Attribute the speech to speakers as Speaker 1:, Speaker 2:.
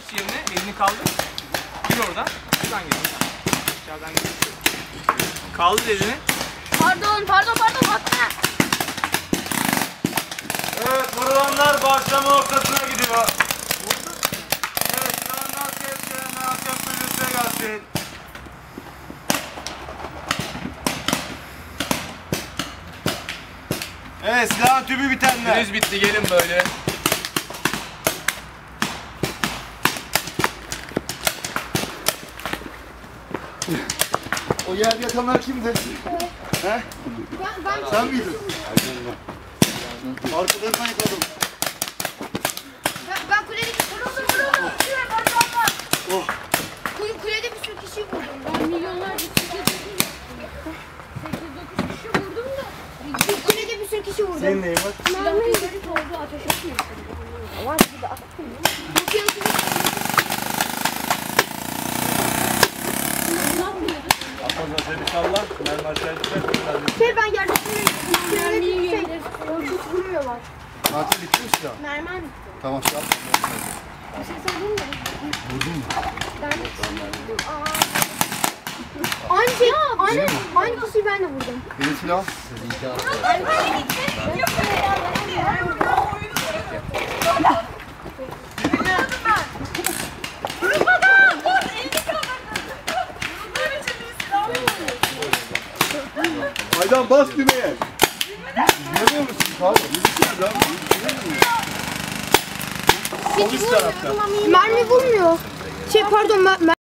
Speaker 1: geç yerine, elini kaldır. Gir oradan. Şuradan gir. Dışarıdan gir. Kaldır elini.
Speaker 2: Pardon hatta.
Speaker 3: Evet, vurulanlar başlama ortasına gidiyor. Evet, silahından ses gelen hakem sürüsüne gelsin. Evet, silahın tübü bitenler.
Speaker 1: Henüz bitti, gelin böyle.
Speaker 4: O yerde yatanlar kimdi? He? Sen miydin? Arkalarından yakaladım.
Speaker 2: Ben kuledeki vurdum.
Speaker 4: Oh.
Speaker 2: Kulede bir sürü kişi vurdum. Ben milyonlarca kişi vurdum. 8-9 kişi vurdum da. Kulede bir sürü kişi vurdum.
Speaker 4: Senin neyin var?
Speaker 2: Silahlı herif oldu, ateş etmiyor. Ama bir de atmayın.
Speaker 3: Atmazlar seni salla. Mermi aşağı düşer.
Speaker 2: Ben yerdekini hiç vurmuyorlar.
Speaker 4: Katil bitti mi silah?
Speaker 2: Mermer bitti.
Speaker 4: Tamam, silah.
Speaker 2: Bir şey söyleyeyim mi?
Speaker 4: Vurdun mu?
Speaker 2: Aynı kişiyi ben de vurdum.
Speaker 4: Benim silah. Aydan bas düğmeye. Görüyor musun? Tamam.
Speaker 2: Mermi vurmuyor. Pardon